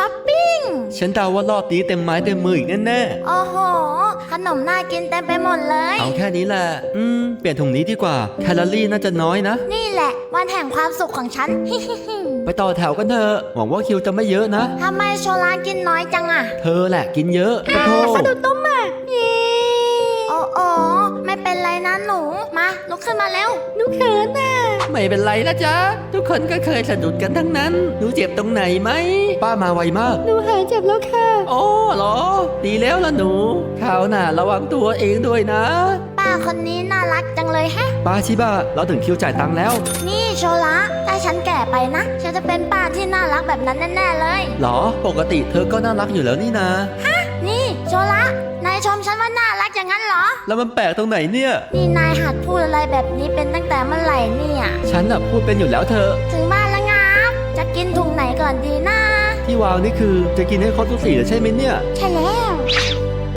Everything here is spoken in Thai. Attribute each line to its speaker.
Speaker 1: อปปิ้ง
Speaker 2: ฉันเดาว่ารอบนี้เต็มไม้เต็มมืออีกแน่
Speaker 1: โอ้โหขนมน่ากินเต็มไปหมดเลย
Speaker 2: ๆเอาแค่นี้แหละเปลี่ยนถุงนี้ดีกว่าแคลอรี่น่าจะน้อยนะ
Speaker 1: นี่แหละวันแห่งความสุขของฉัน
Speaker 2: ไปต่อแถวกันเถอะหวังว่าคิวจะไม่เยอะนะ
Speaker 1: ทำไมโชลากินน้อยจังอะ
Speaker 2: เธอแหละกินเยอะขอโทษ
Speaker 1: สะดุดต้มอ่ะโอ้ไม่เป็นไรนะหนูมาลุกขึ้นมาเร็วหนูเขินน่ะ
Speaker 2: ไม่เป็นไรนะจ๊ะทุกคนก็เคยสะดุดกันทั้งนั้นหนูเจ็บตรงไหนไหมป้ามาไวมาก
Speaker 1: หนูหายเจ็บแล้วค่ะ
Speaker 2: โอ้เหรอดีแล้วล่ะหนูคราวหน้าระวังตัวเองด้วยนะ
Speaker 1: ป้าคนนี้น่ารักจังเลยแฮะ
Speaker 2: ป้าชิบะเราถึงคิวจ่ายตังค์แล้ว
Speaker 1: นี่โชละถ้าฉันแก่ไปนะฉันจะเป็นป้าที่น่ารักแบบนั้นแน่ๆเลย
Speaker 2: หรอปกติเธอก็น่ารักอยู่แล้วนี่นะ
Speaker 1: ฮะนี่โชละนายชมฉันว่าน่ารักอย่างนั้นเหรอ
Speaker 2: แล้วมันแปลกตรงไหนเนี่ย
Speaker 1: นี่นายหัดพูดอะไรแบบนี้เป็นตั้งแต่เมื่อไหร่เนี่ย
Speaker 2: ฉันน่ะพูดเป็นอยู่แล้วเธอ
Speaker 1: ถึงบ้านแล้วงับจะกินถุงไหนก่อนดีนะ
Speaker 2: ที่วางนี่คือจะกินให้ครบทุกสีใช่ไหมเนี่ย
Speaker 1: ใช่แล้ว